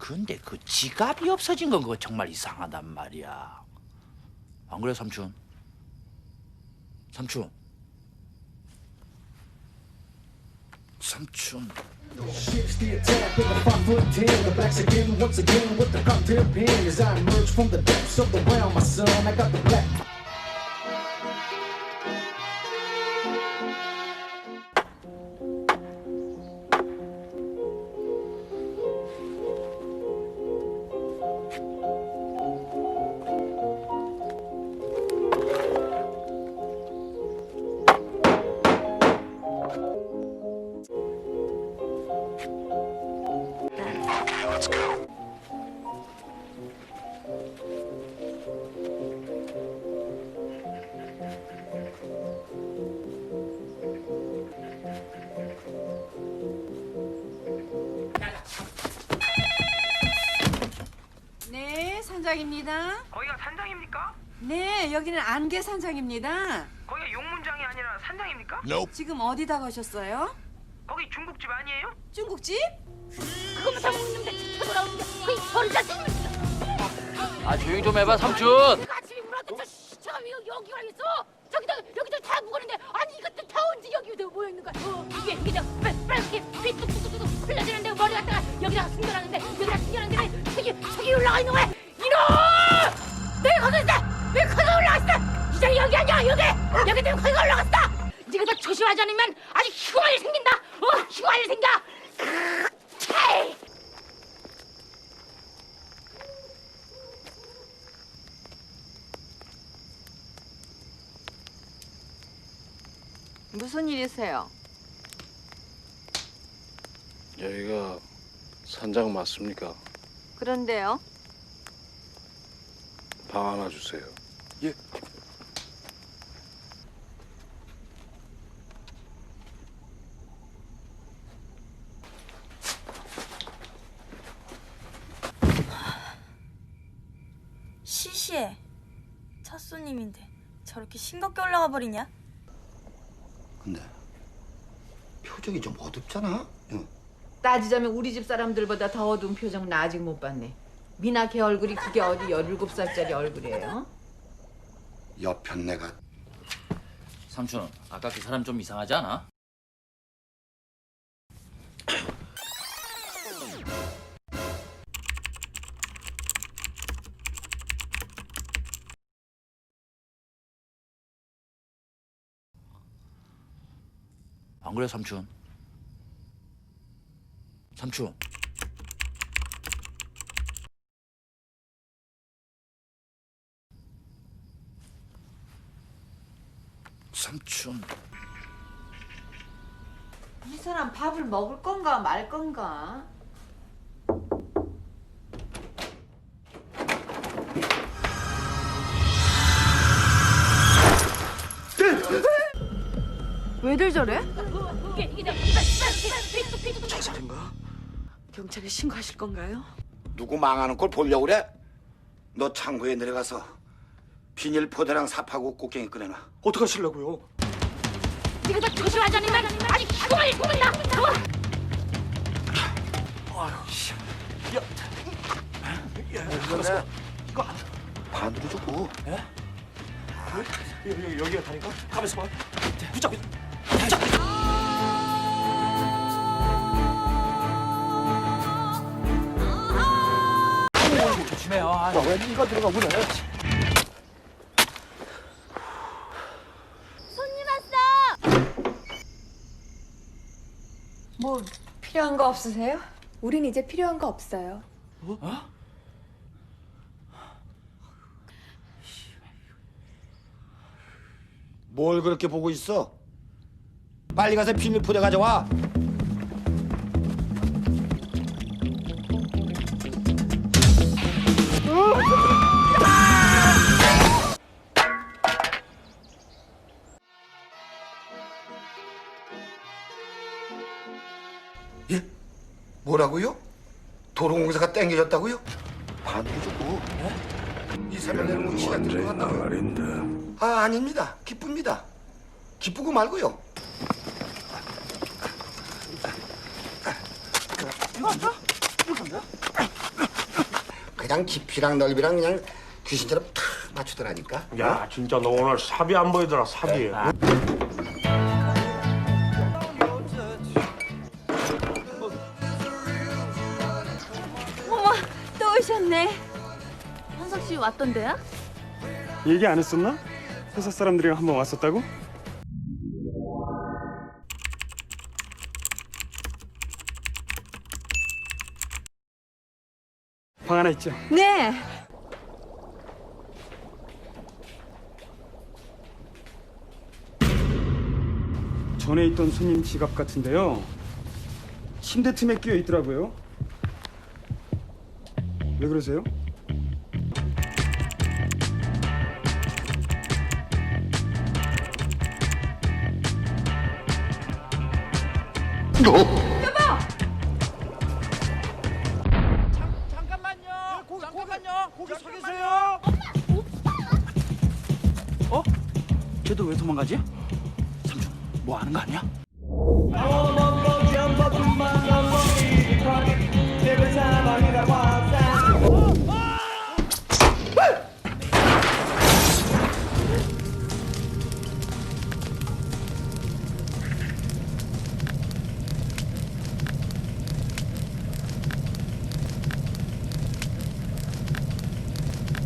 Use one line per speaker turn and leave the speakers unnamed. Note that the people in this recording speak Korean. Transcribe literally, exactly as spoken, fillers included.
근데 그 지갑이 없어진 건 그거 정말 이상하단 말이야. 안 그래, 삼촌? 삼촌. 삼촌.
Shifts the attack with a five foot ten. The blacks again, once again with the cocktail pen. As I emerge from the depths of the well, my son, I got the black.
네, 산장입니다.
거기가 산장입니까?
네, 여기는 안개 산장입니다.
거기가 용문장이 아니라 산장입니까?
지금 어디다 가셨어요?
거기 중국집 아니에요?
중국집?
그거만 다 먹는데 쳐돌아오는데 거의 버리자.
아, 조용 좀 해봐, 삼촌.
내가 아침에 물어봤더니 시체가 왜 여기 와 있어? 저기다 여기다 다 묵었는데 아니 이것도 다 언제 여기 모여 있는 거야? 어, 이게 이게 저 빨- 빨갛게 빛 뚝뚝뚝뚝 흘러지는데 머리 갖다가 여기다가 숨겨놨는데 여기다 숨겨놨는데 저기 저기 올라가 있는 거야? 이놈! 내가 거기 있어! 왜 거기 올라갔어? 이 자리 여기 아니야 여기! 여기 때문에 거기가 올라갔어! 네가 더 조심하지 않으면 아주 흉할 일 생긴다! 어? 흉할 일 생겨! 차
무슨 일이세요?
여기가 산장 맞습니까?
그런데요.
방 하나 주세요.
예.
시시해. 첫 손님인데 저렇게 싱겁게 올라가 버리냐?
근데 표정이 좀 어둡잖아. 응.
따지자면 우리 집 사람들보다 더 어두운 표정 나 아직 못 봤네. 미나 걔 얼굴이 그게 어디 열일곱 살짜리 얼굴이에요?
옆편 내가
삼촌, 아까 그 사람 좀 이상하지 않아? 안 그래, 삼촌? 삼촌. 삼촌.
이 사람 밥을 먹을 건가 말 건가?
왜들 저래?
이게 이게 저 빛 뚝뚝뚝
자살인가?
경찰에 신고하실 건가요?
누구 망하는 걸 보려고 그래? 너 창고에 내려가서 비닐포대랑 삽하고 꽃갱이 꺼내놔. 어떡하시려고요?
네가 더 조심하지 않으면 아주 흉할 일 생긴다! 어?
반으로 주고.
여기가 다니까? 가면서 봐. 붙잡고. 조심해요. 아,
왜 네가 들어가 그래?
뭐 필요한 거 없으세요? 우린 이제 필요한 거 없어요.
뭘 그렇게 보고 있어? 빨리 가서 비닐포대 가져와. 예? 뭐라고요? 도로공사가 땡겨졌다고요? 반도 주고. 이 사람들은 뭐 시간 들것 같다고요?
나발인데.
아, 아닙니다. 기쁩니다. 기쁘고 말고요. 이거 간다? 이거 간다? 그냥 깊이랑 넓이랑 그냥 귀신처럼 탁 맞추더라니까.
야, 진짜 너 오늘 삽이 안 보이더라, 삽이.
어머, 또 오셨네.
현석 씨 왔던데요?
얘기 안 했었나? 회사 사람들이랑 한번 왔었다고? 방 하나 있죠?
네.
전에 있던 손님 지갑 같은데요. 침대 틈에 끼어 있더라고요. 왜 그러세요?
잠깐만요. 고기, 잠깐만요. 거기 서 계세요. 어? 쟤도 왜 도망가지? 삼촌, 뭐 하는 거 아니야?